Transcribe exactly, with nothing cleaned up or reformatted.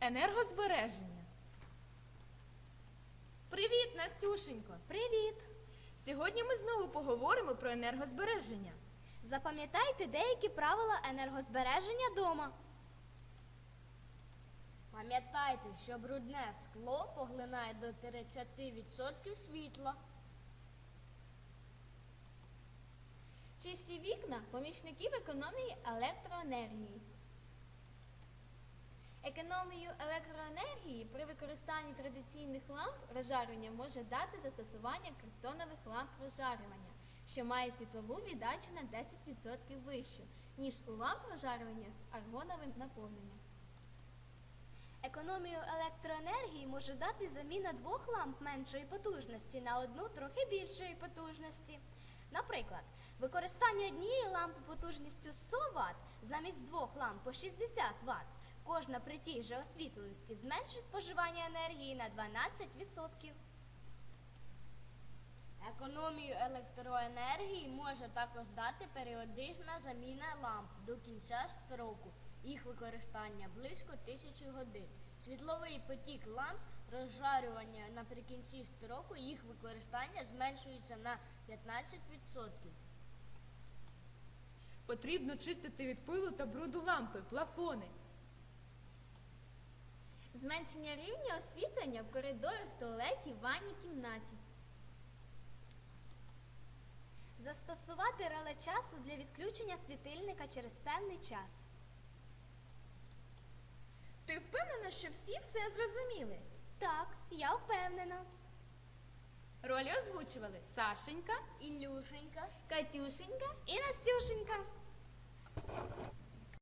Енергозбереження. Привіт, Настюшенько! Привіт! Сьогодні ми знову поговоримо про енергозбереження. Запам'ятайте деякі правила енергозбереження дома. Пам'ятайте, що брудне скло поглинає до тридцяти відсотків світла. Чисті вікна – помічників економії електроенергії. Економію електроенергії при використанні традиційних ламп розжарювання може дати застосування криптонових ламп розжарювання, що має світлову віддачу на десять відсотків вищу, ніж у ламп розжарювання з аргоновим наповненням. Економію електроенергії може дати заміна двох ламп меншої потужності на одну трохи більшої потужності. Наприклад, використання однієї лампи потужністю сто ватт замість двох ламп по шістдесят ватт. Кожна при тій же освітленості зменшить споживання енергії на дванадцять відсотків. Економію електроенергії може також дати періодична заміна ламп до кінця строку. Їх використання близько тисячі годин. Світловий потік ламп розжарювання наприкінці строку, їх використання зменшується на п'ятнадцять відсотків. Потрібно чистити від пилу та бруду лампи, плафони. Зменшення рівня освітлення в коридорах, туалеті, ванній кімнаті. Застосувати реле часу для відключення світильника через певний час. Ти впевнена, що всі все зрозуміли? Так, я впевнена. Ролі озвучували Сашенька, Ілюшенька, Катюшенька І Настюшенька.